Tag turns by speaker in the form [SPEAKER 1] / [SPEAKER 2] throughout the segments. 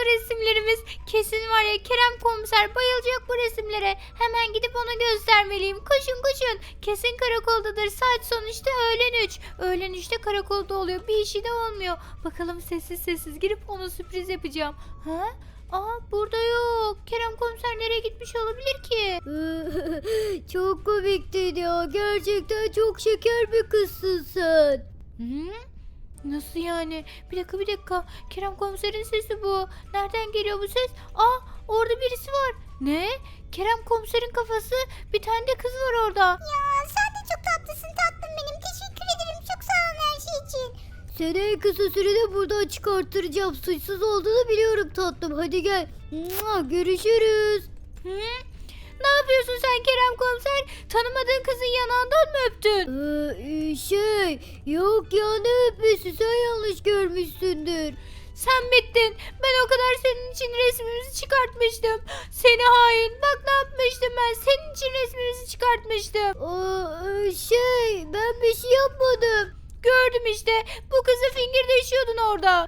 [SPEAKER 1] resimlerimiz. Kesin var ya, Kerem komiser bayılacak bu resimlere. Hemen gidip ona göstermeliyim. Koşun koşun. Kesin karakoldadır. Saat sonuçta öğlen 3. Öğlen 3'te karakolda oluyor. Bir işi de olmuyor. Bakalım sessiz sessiz girip ona sürpriz yapacağım. Ha? Aa, burada yok. Kerem komiser nereye gitmiş olabilir ki?
[SPEAKER 2] Çok komiktin ya. Gerçekten çok şeker bir kızsın sen.
[SPEAKER 1] Hı? Nasıl yani? Bir dakika. Kerem komiserin sesi bu. Nereden geliyor bu ses? Aa, orada birisi var. Ne? Kerem komiserin kafası. Bir tane de kız var orada.
[SPEAKER 3] Ya sen de çok tatlısın tatlım benim. Teşekkür ederim. Çok sağ olun her şey için.
[SPEAKER 2] Seni en kısa sürede buradan çıkarttıracağım. Suçsuz olduğunu biliyorum tatlım. Hadi gel. Görüşürüz.
[SPEAKER 1] Hı? Ne yapıyorsun sen Kerem komiser? Tanımadığın kızın yanağından mı öptün?
[SPEAKER 2] Yok ya, ne öpmesi, sen yanlış görmüşsündür.
[SPEAKER 1] Sen bittin. Ben o kadar senin için resmimizi çıkartmıştım. Seni hain. Bak ne yapmıştım ben. Senin için resmimizi çıkartmıştım.
[SPEAKER 2] Ben bir şey yapmadım.
[SPEAKER 1] Gördüm işte. Bu kızı fingirdeşiyordun orada.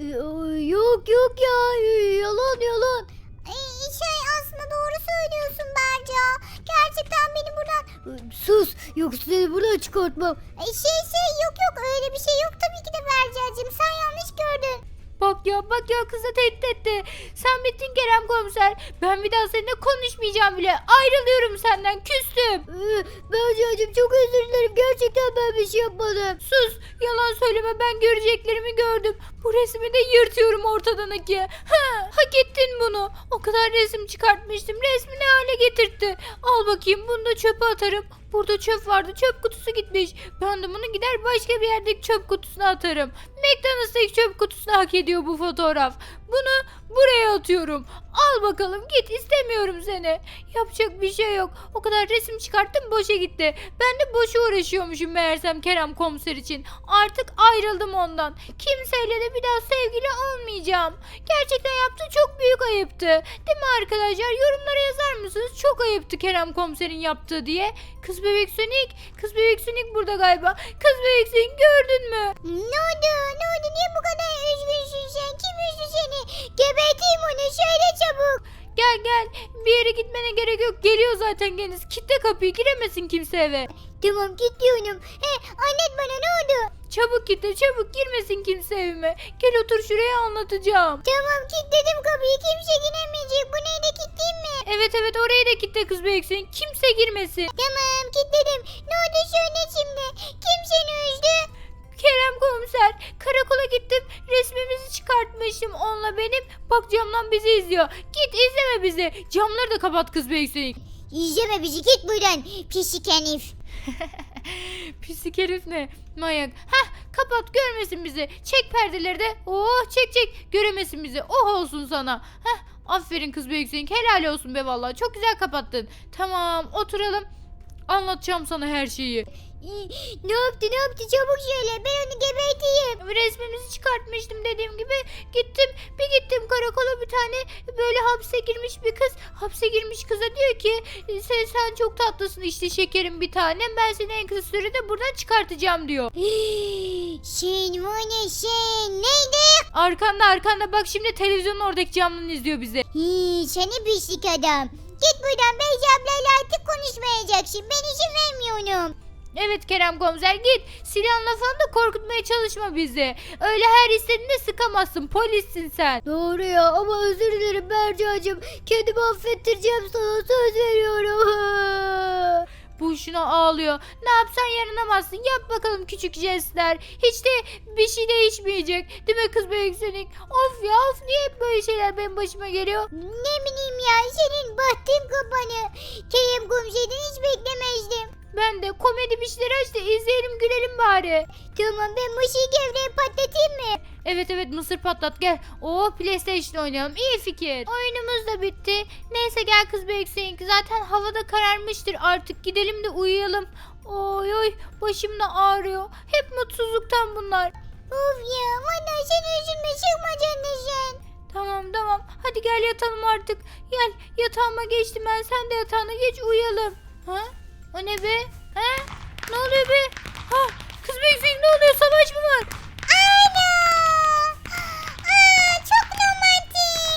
[SPEAKER 2] Yok ya, yalan.
[SPEAKER 3] Aslında doğru söylüyorsun Berca. Gerçekten beni buradan...
[SPEAKER 2] Sus, yoksa seni buradan çıkartmam.
[SPEAKER 3] Yok öyle bir şey yok tabii ki de Berca'cığım. Sen yanlış gördün.
[SPEAKER 1] Bak ya kızı tehdit etti. Sen bittin Kerem komiser. Ben bir daha seninle konuşmayacağım bile. Ayrılıyorum senden. Küstüm.
[SPEAKER 2] Berca'cığım çok özür dilerim. Gerçekten ben bir şey yapmadım.
[SPEAKER 1] Sus. Yalan söyleme, ben göreceklerimi gördüm. Bu resmi de yırtıyorum ortadan ikiye. Hak ettin bunu. O kadar resim çıkartmıştım. Resmi ne hale getirtti. Al bakayım, bunu da çöpe atarım. Burada çöp vardı. Çöp kutusu gitmiş. Ben de bunu gider başka bir yerdeki çöp kutusuna atarım. McDonald's'taki çöp kutusuna hak ediyor bu fotoğraf. Bunu buraya atıyorum. Al bakalım, git, istemiyorum seni. Yapacak bir şey yok. O kadar resim çıkarttım, boşa gitti. Ben de boşa uğraşıyormuşum meğersem Kerem komiser için. Artık ayrıldım ondan. Kimseyle de bir daha sevgili olmayacağım. Gerçekten yaptığı çok büyük ayıptı. Değil mi arkadaşlar? Yorumlara yazar mısınız? Çok ayıptı Kerem komiserin yaptığı diye. Kız bebek Sonic burada galiba. Kız bebek Sonic, gördün mü?
[SPEAKER 3] Ne oldu? Niye bu kadar üzgünsün sen? Kim üzdü seni? Geberteyim onu. Söyle çabuk.
[SPEAKER 1] Gel, bir yere gitmene gerek yok. Geliyor zaten kendisi. Kitle kapıyı, giremesin kimse eve.
[SPEAKER 3] Tamam gidiyorum. Anlat bana ne oldu?
[SPEAKER 1] Çabuk kitle, çabuk, girmesin kimse evime. Gel otur şuraya, anlatacağım.
[SPEAKER 3] Tamam kilitledim kapıyı. Kimse giremeyecek. Bu neydi, kilitleyeyim mi?
[SPEAKER 1] Evet, orayı da kitle kız bebek Sonic. Kimse girmesin.
[SPEAKER 3] Tamam kilitledim. Ne oldu söyle şimdi? Kim seni üzdü?
[SPEAKER 1] Kerem komiser, karakola gittim, resmimizi çıkartmışım onunla benim. Bak camdan bizi izliyor. Git, izleme bizi. Camları da kapat kız bebek Sonic.
[SPEAKER 3] İzleme bizi, git buradan. Pislik herif.
[SPEAKER 1] Pislik herif ne? Manyak. Kapat, görmesin bizi. Çek perdeleri de. Çek. Göremesin bizi. Olsun sana. Aferin kız bebek Sonic. Helal olsun be vallahi. Çok güzel kapattın. Tamam, oturalım. Anlatacağım sana her şeyi.
[SPEAKER 3] Ne yaptı çabuk söyle, ben onu geberteyim.
[SPEAKER 1] Resmimizi çıkartmıştım dediğim gibi. Gittim karakola, bir tane böyle hapse girmiş bir kız. Hapse girmiş kıza diyor ki sen çok tatlısın işte şekerim bir tanem. Ben seni en kısa sürede buradan çıkartacağım diyor.
[SPEAKER 3] Sen var ya sen neydi?
[SPEAKER 1] Arkanda bak, şimdi televizyonun oradaki camdan izliyor bizi.
[SPEAKER 3] Seni pislik adam. Git buradan, Beyci ablayla artık konuşmayacaksın. Ben izin vermiyorum.
[SPEAKER 1] Evet Kerem komiser, git. Silahla falan da korkutmaya çalışma bizi. Öyle her istediğinde sıkamazsın. Polissin sen.
[SPEAKER 2] Doğru ya, ama özür dilerim Berca'cığım. Kendimi affettireceğim, sana söz veriyorum.
[SPEAKER 1] Bu şuna ağlıyor. Ne yapsan yaranamazsın. Yap bakalım küçük jestler. Hiç de bir şey değişmeyecek. Değil mi kız bebek Sonic? Of niye hep böyle şeyler benim başıma geliyor?
[SPEAKER 3] Ne bileyim ya, senin bahtın kapanı. Kerem komiserden hiç beklemezdim.
[SPEAKER 1] Ben de komedi bir şeyler aç da izleyelim, gülelim bari.
[SPEAKER 3] Tamam, ben mısır gevreği patlatayım mı?
[SPEAKER 1] Evet, mısır patlat gel. PlayStation oynayalım, iyi fikir. Oyunumuz da bitti. Neyse gel kız bebek Sonic. Zaten havada kararmıştır, artık gidelim de uyuyalım. Oy başım da ağrıyor. Hep mutsuzluktan bunlar.
[SPEAKER 3] Of ya, valla sen üzülme, çıkma sen.
[SPEAKER 1] Tamam hadi gel yatalım artık. Gel, yatağıma geçtim ben, sen de yatağına geç, uyuyalım. O ne be? Ne oluyor be? Kız bebek Sonic, ne oluyor, savaş mı var?
[SPEAKER 3] Ana! Çok romantik.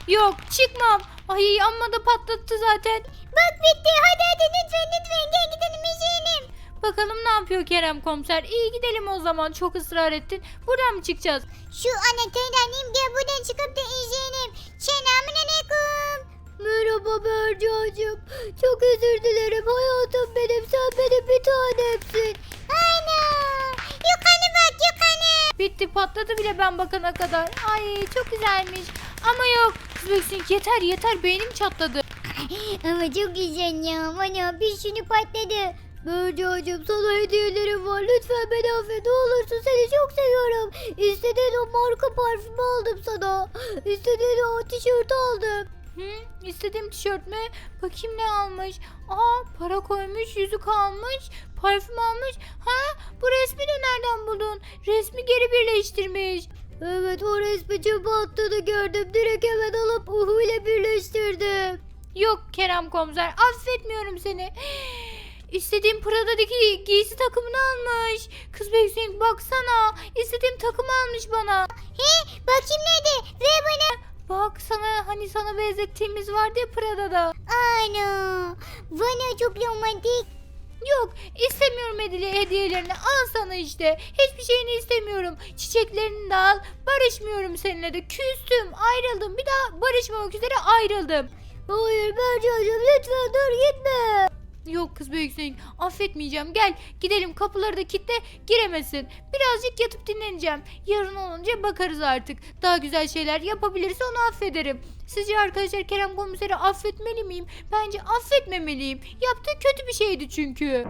[SPEAKER 1] Yok çıkmam. Ay amma da patlattı zaten.
[SPEAKER 3] Bak bitti. Hadi lütfen gel gidelim izleyelim.
[SPEAKER 1] Bakalım ne yapıyor Kerem komiser. İyi gidelim o zaman. Çok ısrar ettin. Buradan mı çıkacağız?
[SPEAKER 3] Şu anahtarı alayım gel buradan çıkıp da izleyelim. Selamünaleyküm.
[SPEAKER 2] Merhaba Bercacığım. Çok özür dilerim hayatım benim. Sen benim bir tanemsin.
[SPEAKER 3] Ana. Yukarı bak yukarı.
[SPEAKER 1] Bitti patladı bile ben bakana kadar. Ay çok güzelmiş. Ama yok. Kız Beksink yeter beynim çatladı.
[SPEAKER 3] Ama çok güzel ya. Bana bir sürü patladı.
[SPEAKER 2] Bercacığım sana hediyelerim var. Lütfen beni affet. Ne olursun seni çok seviyorum. İstediğin o marka parfümü aldım sana. İstediğin o tişörtü aldım.
[SPEAKER 1] İstediğim tişört mü? Bakayım ne almış. Para koymuş, yüzük almış, parfüm almış. Bu resmi de nereden buldun? Resmi geri birleştirmiş.
[SPEAKER 2] Evet o resmi çöpe attığını gördüm. Direkt hemen alıp Uhu ile birleştirdim.
[SPEAKER 1] Yok Kerem komiser, affetmiyorum seni. İstediğim Prada'daki giysi takımını almış. Kız Beksink baksana. İstediğim takımı almış bana.
[SPEAKER 3] Bakayım nerede? Ver bana.
[SPEAKER 1] Bak sana benzettiğimiz vardı ya Prada'da.
[SPEAKER 3] Ana. Bana çok romantik.
[SPEAKER 1] Yok istemiyorum hediyelerini, al sana işte. Hiçbir şeyini istemiyorum. Çiçeklerini de al. Barışmıyorum seninle de. Küstüm, ayrıldım. Bir daha barışmamak üzere ayrıldım.
[SPEAKER 2] Hayır Bercacığım lütfen dur gitme.
[SPEAKER 1] Yok kız Beksink, affetmeyeceğim. Gel gidelim, kapıları da kilitle, giremesin. Birazcık yatıp dinleneceğim. Yarın olunca bakarız artık. Daha güzel şeyler yapabilirse onu affederim. Sizce arkadaşlar Kerem komiseri affetmeli miyim? Bence affetmemeliyim. Yaptığı kötü bir şeydi çünkü.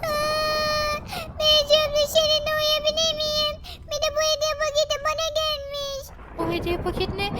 [SPEAKER 3] Beyciğim seninle uyuyabilir miyim? Bir de bu hediye paketi bana gelmiş.
[SPEAKER 1] O hediye paketi ne?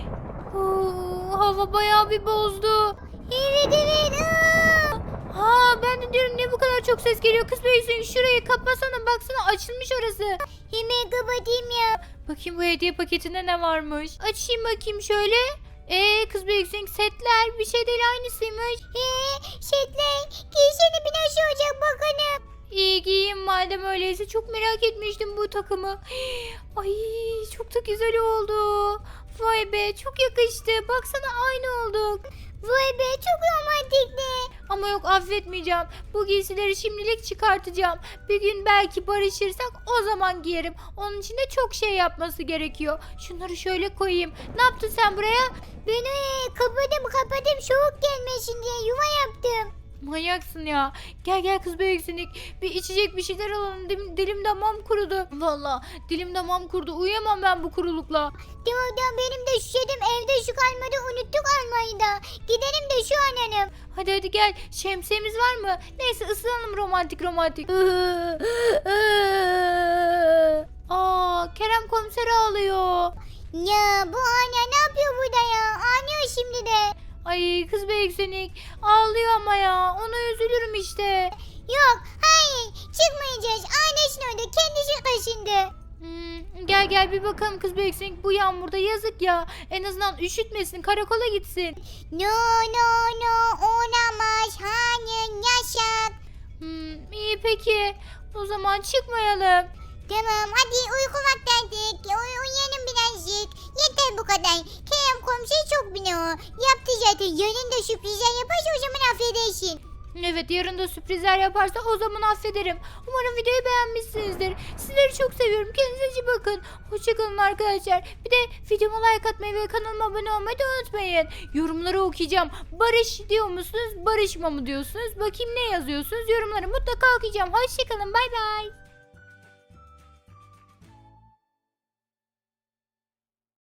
[SPEAKER 1] Hava bayağı bir bozdu.
[SPEAKER 3] Evet.
[SPEAKER 1] Ben de diyorum niye bu kadar çok ses geliyor? Kız Beksink şurayı kapasana, baksana açılmış orası.
[SPEAKER 3] Hemen kapatayım ya.
[SPEAKER 1] Bakayım bu hediye paketinde ne varmış. Açayım bakayım şöyle. Kız Beksink setler bir şey değil, aynısıymış.
[SPEAKER 3] Setler. Giysene bir nasıl olacak bakalım.
[SPEAKER 1] İyi giyeyim madem öyleyse, çok merak etmiştim bu takımı. Ay çok da güzel oldu. Vay be çok yakıştı. Baksana aynı olduk.
[SPEAKER 3] Vay be çok romantikti.
[SPEAKER 1] Ama yok, affetmeyeceğim. Bu giysileri şimdilik çıkartacağım. Bir gün belki barışırsak o zaman giyerim. Onun için de çok şey yapması gerekiyor. Şunları şöyle koyayım. Ne yaptın sen buraya?
[SPEAKER 3] Ben kapadım soğuk gelmesin diye yuva yaptım.
[SPEAKER 1] Manyaksın ya. Gel kız Beksink. Bir içecek bir şeyler alalım. Dilim damağım kurudu. Valla dilim damağım kurudu. Uyuyamam ben bu kurulukla.
[SPEAKER 3] Tamam benim de şişedim evde şu kalmadı unuttuk almayı da. Gidelim de şu an hanım.
[SPEAKER 1] Hadi gel. Şemsiyemiz var mı? Neyse ısınalım romantik. Kerem komiser ağlıyor.
[SPEAKER 3] Ya bu anne ne yapıyor burada ya? Ağlıyor şimdi de.
[SPEAKER 1] Ay kız Beksink ağlıyor ama ya. Ona üzülürüm işte.
[SPEAKER 3] Yok hayır çıkmayacağız. Annesinin orada kendisi kaşındı.
[SPEAKER 1] Gel bir bakalım kız Beksink. Bu yağmurda yazık ya. En azından üşütmesin, karakola gitsin.
[SPEAKER 3] No olamaz. Hayır yasak.
[SPEAKER 1] İyi peki. O zaman çıkmayalım.
[SPEAKER 3] Tamam hadi uyku vakti. Uyuyalım birazcık. Yeter bu kadar. Kerem komşu çok biliyor. Yaptı zaten. Yarın da sürprizler yaparsa o zaman affedersin.
[SPEAKER 1] Evet, yarın da sürprizler yaparsa o zaman affederim. Umarım videoyu beğenmişsinizdir. Sizleri çok seviyorum. Kendinize iyi bakın. Hoşçakalın arkadaşlar. Bir de videoma like atmayı ve kanalıma abone olmayı da unutmayın. Yorumları okuyacağım. Barış diyor musunuz? Barışma mı diyorsunuz? Bakayım ne yazıyorsunuz? Yorumları mutlaka okuyacağım. Hoşçakalın. Bay bay.